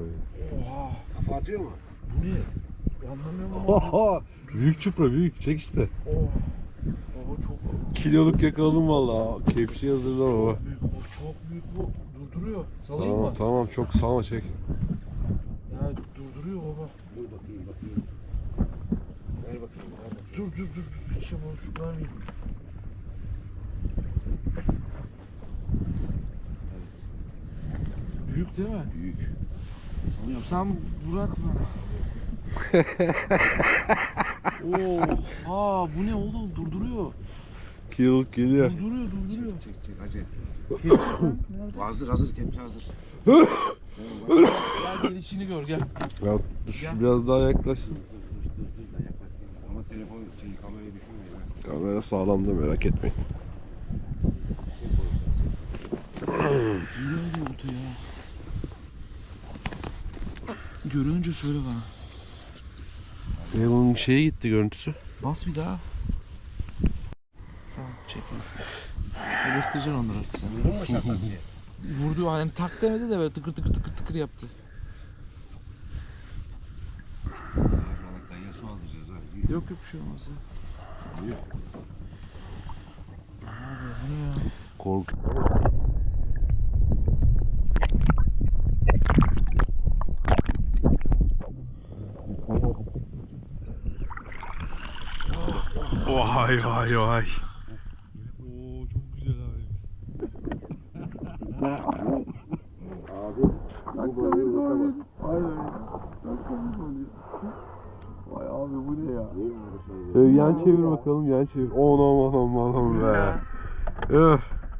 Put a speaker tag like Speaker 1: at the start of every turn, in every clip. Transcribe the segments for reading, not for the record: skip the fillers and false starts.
Speaker 1: Oha.
Speaker 2: Kafa atıyor mu?
Speaker 1: Bu ne? Anlamıyorum ama.
Speaker 3: Oha. Büyük çupra büyük. Çek işte.
Speaker 1: Oh. Baba çok
Speaker 3: Kiloluk yakaladım valla. Kepçeyi hazırla baba.
Speaker 1: büyük. O çok büyük bu. Durduruyor. Salayım
Speaker 3: Tamam
Speaker 1: mı?
Speaker 3: tamam çok salma çek.
Speaker 1: Ya durduruyor baba.
Speaker 2: Dur bakayım. Ver bakayım.
Speaker 1: Dur. Hiç yapalım şu vermeyeyim. Büyük değil mi?
Speaker 2: Büyük.
Speaker 1: Sen bırak bana. Oha bu ne oğlum durduruyor.
Speaker 3: Kiloluk geliyor.
Speaker 1: Durduruyor.
Speaker 2: Çek hacı.
Speaker 1: Kepçe sen nerede?
Speaker 2: Hazır kepçe hazır.
Speaker 1: Gel gelişini gör gel.
Speaker 3: Ya dur biraz daha yaklaşsın.
Speaker 2: Dur yaklaşayım. Ama telefon kamerayı düşürmeyin.
Speaker 3: Kamera sağlam da merak etmeyin.
Speaker 1: Yürü hadi olta ya. Görününce söyle bana.
Speaker 3: Bunun şeye gitti görüntüsü.
Speaker 1: Bas bir daha. Tamam çekil. Eleştireceksin onları artık sen.
Speaker 2: Vurdun mu çatak diye?
Speaker 1: Vurdu hani tak demedi de böyle tıkır yaptı.
Speaker 2: Balıktan ya su alacağız ha.
Speaker 1: Yok bir şey olmaz ya.
Speaker 2: Yok.
Speaker 1: Abi bu ne ya?
Speaker 3: Kork. Vay.
Speaker 1: Oo çok güzel abi. Vay abi bu ne ya?
Speaker 3: Yan çevir bakalım yan çevir. Anam be. Öf.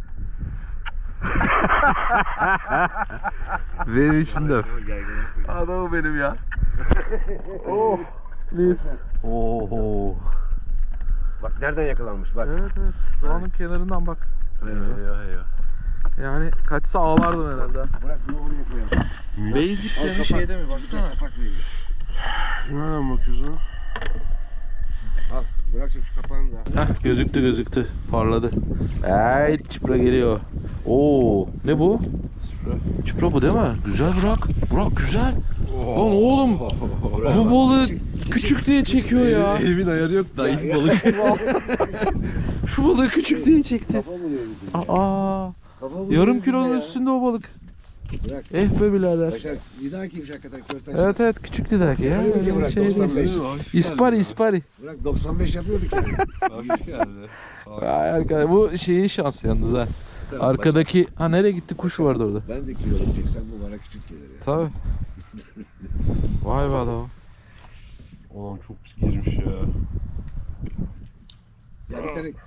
Speaker 3: Benim için de.
Speaker 1: Adamı benim ya.
Speaker 3: Oh. Mis. Oho.
Speaker 2: Bak nereden yakalanmış bak.
Speaker 1: Evet. Doğanın kenarından bak.
Speaker 3: Eyvah.
Speaker 1: Yani kaçsa ağlardın herhalde.
Speaker 2: Bırak bunu oraya koyalım.
Speaker 1: Basic
Speaker 2: Al,
Speaker 1: yani
Speaker 2: kapak.
Speaker 1: şeyde mi baksana.
Speaker 2: Kapak veriyor.
Speaker 3: Nereden bakıyorsun?
Speaker 2: Al bırak şu kapağını da.
Speaker 1: Heh gözüktü parladı. Evet çipra geliyor. Oo ne bu? Çipra bu değil mi? Güzel Burak güzel. Lan oğlum bu balığı küçük diye çekiyor ya.
Speaker 3: Elimin ayarı yok da ilk balık.
Speaker 1: Şu balığı küçük diye çekti.
Speaker 2: Kafa buluyor bizi.
Speaker 1: Aa
Speaker 2: Kafa buluyor
Speaker 1: yarım
Speaker 2: bizi
Speaker 1: kilonun
Speaker 2: ya.
Speaker 1: üstünde o balık.
Speaker 2: Bırak.
Speaker 1: Eh be birader.
Speaker 2: Başar bir daha kimmiş hakikaten körten.
Speaker 1: Evet küçüktü derken ya.
Speaker 2: Öyle ki
Speaker 1: Öyle
Speaker 2: bırak,
Speaker 1: şey değil.
Speaker 2: 95.
Speaker 1: İspari.
Speaker 2: Bırak 95 yapıyorduk yani.
Speaker 3: Hoş geldi.
Speaker 1: Ay arkadaş bu şeyin şansı yalnız ha.
Speaker 2: Tamam,
Speaker 1: Arkadaki ha nereye gitti kuş vardı orada.
Speaker 2: Ben de kiloluk çeksem bu bana küçük gelir ya.
Speaker 1: Tabii. Vay be adam.
Speaker 3: Oğlum çok pis girmiş ya.
Speaker 2: Ya bir tane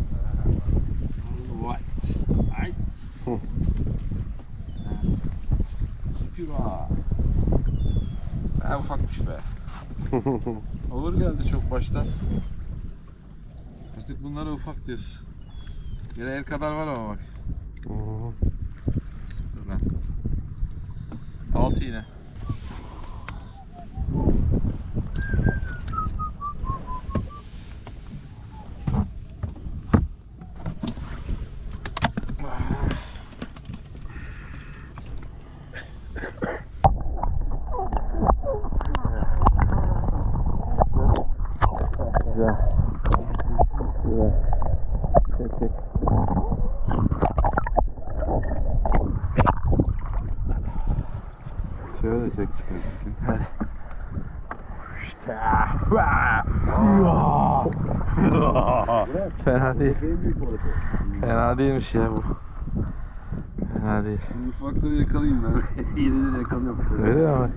Speaker 1: What? Ay. Spira. Ha ufakmış be. Olur geldi çok baştan. Artık bunlara ufak diyoruz. Yine el kadar var ama bak. Dur lan. 6 yine. Çek.
Speaker 3: Şöyle çek çıkar.
Speaker 1: Hadi. Fena değil.
Speaker 2: en büyük balık o.
Speaker 1: Fena değilmiş ya bu. Fena değil.
Speaker 3: Ufakları yakalayayım ben. Yine de yakalıyorum.
Speaker 1: Öyle mi?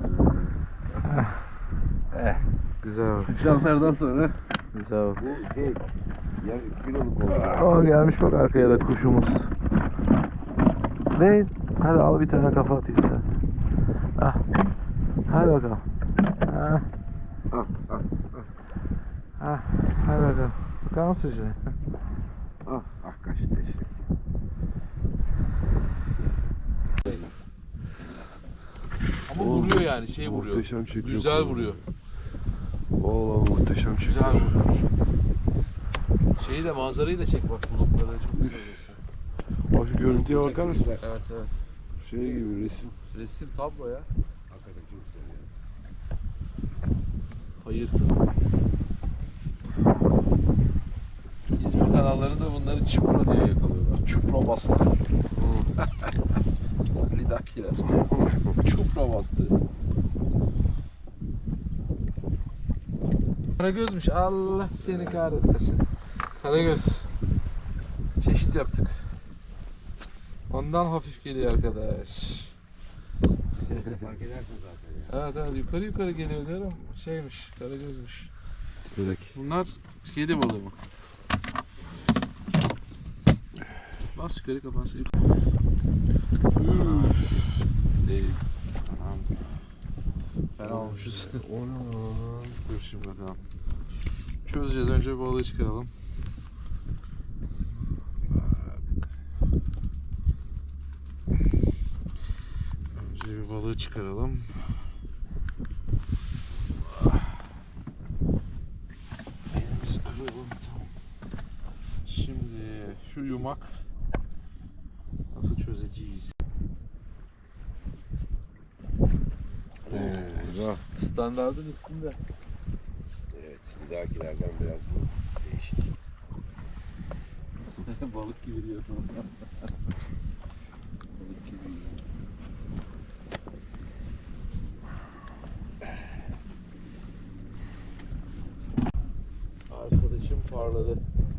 Speaker 1: Güzel bak.
Speaker 3: Sıçanlardan sonra.
Speaker 1: Güzel bak.
Speaker 2: Bu şey ya kiloluk oldu.
Speaker 1: Aa gelmiş bak arkaya da kuşumuz. Ne? Hadi al bir tane kafa atayım sen. Ah. Hadi bakalım. Ah.
Speaker 2: Ah.
Speaker 1: Ah. Hadi bakalım. Bakar mısın şimdi?
Speaker 2: Kaçtı işte.
Speaker 1: Ama vuruyor yani şey vuruyor.
Speaker 3: Muhteşem çekiyor.
Speaker 1: Güzel vuruyor.
Speaker 3: Vallahi muhteşem çekiyor.
Speaker 1: Güzel vuruyor. Şeyi de manzarayı da çek bak bulutları çok güzel resim.
Speaker 3: Bak şu görüntüye bakar mısın?
Speaker 1: Evet.
Speaker 3: Şey gibi resim.
Speaker 1: Resim tablo ya.
Speaker 2: Hakikaten çok güzel ya.
Speaker 1: Hayırsız. İzmir kanallarında bunları çupra diye yakalıyorlar. Çupra bastı. Lidakiler. Çupra bastı. Karagözmüş. Allah seni kahretmesin. Karagöz. Çeşit yaptık. Ondan hafif geliyor arkadaş.
Speaker 2: Fark edersin zaten ya.
Speaker 1: Evet evet yukarı yukarı geliyor diyorum. Şeymiş, karagözmüş. Bunlar kedi balığı mı? Bas yukarı kafası yukarı. Değil. Tamam. Fena olmuşuz. Dur şimdi bakalım. Çözeceğiz, önce bir balığı çıkaralım. Önce bir balığı çıkaralım. Elimizi kıralım. Tamam. Şimdi şu yumak nasıl çözeceğiz?
Speaker 2: Güzel.
Speaker 1: Standardın üstünde.
Speaker 2: Evet, lidakilerden biraz bu değişik.
Speaker 1: Balık gibi diyor. Balık gibi. Arkadaşım parladı.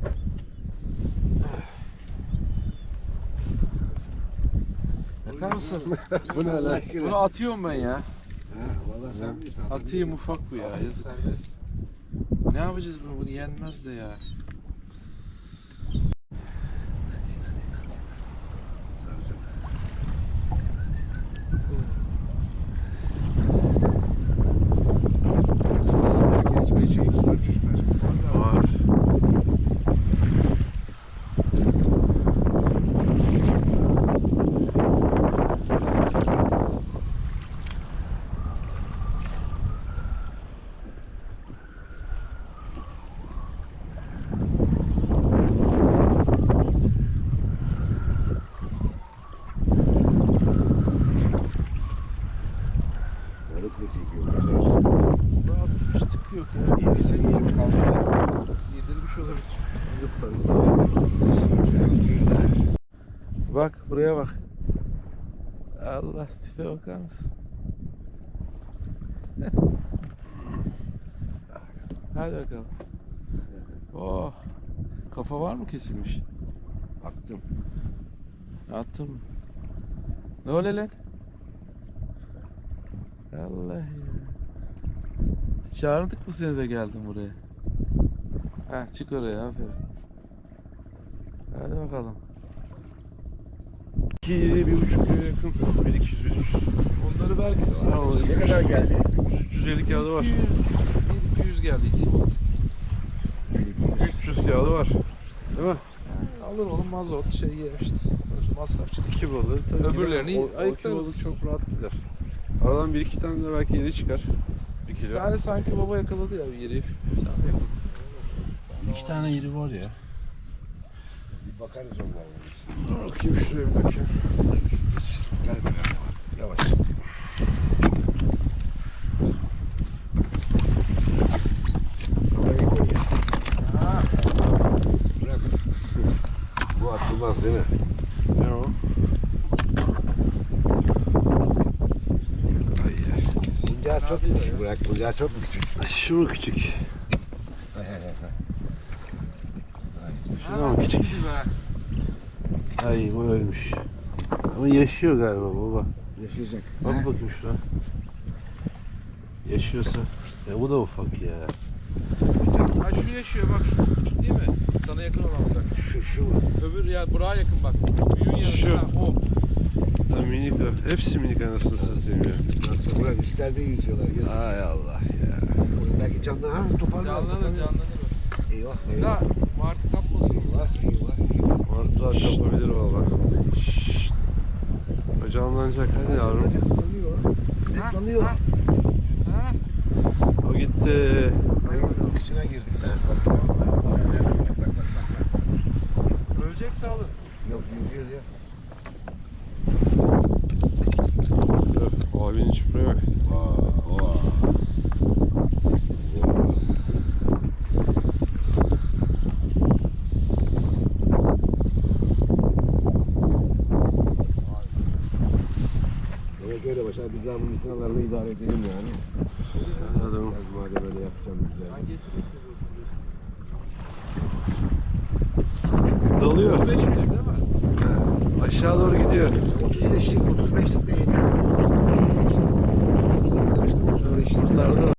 Speaker 1: Bakar mısın?
Speaker 2: Bu ne lan?
Speaker 1: Bunu atıyorum ben ya.
Speaker 2: Ha, valla sen bilirsin.
Speaker 1: Atayım, ufak bu ya. Yazık.
Speaker 2: Serbest.
Speaker 1: Ne yapacağız bunu? Bunu yenmez de ya.
Speaker 2: Geçmeye çektiler çocuklar.
Speaker 3: Var.
Speaker 2: Balık mı çekiyor?
Speaker 1: Daha bir tık yok ya.
Speaker 2: Yedisi yiyip kaldı.
Speaker 1: Yedirmiş olabilir. Bak buraya bak. Allah, tipe bakar mısın? Hadi bakalım. Oh. Kafa var mı kesilmiş?
Speaker 2: Attım.
Speaker 1: Attım. Ne öyle lan? Allah ya. Çağırdık mı seni de geldin buraya? Ha, çık oraya, aferin. Hadi bakalım.
Speaker 3: 1,5 kilo yakın. 1,200 1,300.
Speaker 1: Onları ver gitsin.
Speaker 2: Ne kadar geldi?
Speaker 3: 350 kağıdı var.
Speaker 1: 200 geldi ikisi bu.
Speaker 3: 300 kağıdı var. Değil mi?
Speaker 1: Alır oğlum, mazot şey yemişti. Sonuçta masraf çıksın.
Speaker 3: 2 balığı. Tabii
Speaker 1: Öbürlerini
Speaker 3: o iki
Speaker 1: ayıklarız.
Speaker 3: balık çok rahat gider. Aradan 1-2 tane de belki yeni çıkar. 1
Speaker 1: Bir
Speaker 3: kilo.
Speaker 1: tane sanki baba yakaladı ya bir yeri. Sen yakaladın.
Speaker 3: 2 tane yeri var ya.
Speaker 2: Bir bakarız onlara.
Speaker 3: Dur bakayım şuraya bir bakayım.
Speaker 2: Gel bakalım. Yavaş. Kafayı koy.
Speaker 1: Ha,
Speaker 2: Bırak. Bu atılmaz değil mi?
Speaker 3: Ne o? Ay ya.
Speaker 2: Buncağı çok mu küçük? Bırak. Buncağı çok mu küçük?
Speaker 3: Şu mu küçük? Şuna mı küçük?
Speaker 1: iyiydi be.
Speaker 3: Ay bu ölmüş. Ama yaşıyor galiba baba.
Speaker 2: Yaşayacak.
Speaker 3: Bak bakayım şuna. Yaşıyorsa. Ya bu da ufak ya.
Speaker 1: Ha, şu yaşıyor bak, şu küçük değil mi? Sana yakın olan bak.
Speaker 2: Şu.
Speaker 1: Öbür ya buraya yakın bak. Büyüğün yanında.
Speaker 3: Şu.
Speaker 1: Ha, o.
Speaker 3: Ha, minik o. Hepsi minik anasını satayım ya.
Speaker 2: Bırak üstlerde yüzüyorlar. Yazık.
Speaker 3: Ay Allah ya.
Speaker 2: Belki canlı. Ha toparlar.
Speaker 1: Canlanır.
Speaker 2: Eyvah.
Speaker 1: Ya
Speaker 2: Eyvah.
Speaker 1: martı kapmasın.
Speaker 2: Eyvah.
Speaker 3: Martılar kapabilir valla. Şşşt. O canlanacak hadi yavrum.
Speaker 2: Hızlanıyor. Netlanıyor.
Speaker 1: Ha.
Speaker 3: O gitti.
Speaker 2: Ayağının içine girdik ders bak. Bak.
Speaker 1: Ölecek sağlık.
Speaker 2: Yok yüzüyor ya.
Speaker 3: Abinin çupraya bak.
Speaker 2: Mesela biz daha bu misinalarla idare edelim yani.
Speaker 3: Anladım.
Speaker 2: Ben madem öyle yapacağım güzel.
Speaker 3: Dalıyor.
Speaker 1: 5 milim değil mi?
Speaker 3: Aşağı doğru gidiyor.
Speaker 2: 35'lik 35'lik de yeter. Elim karıştı 35'lik.
Speaker 3: Sardı.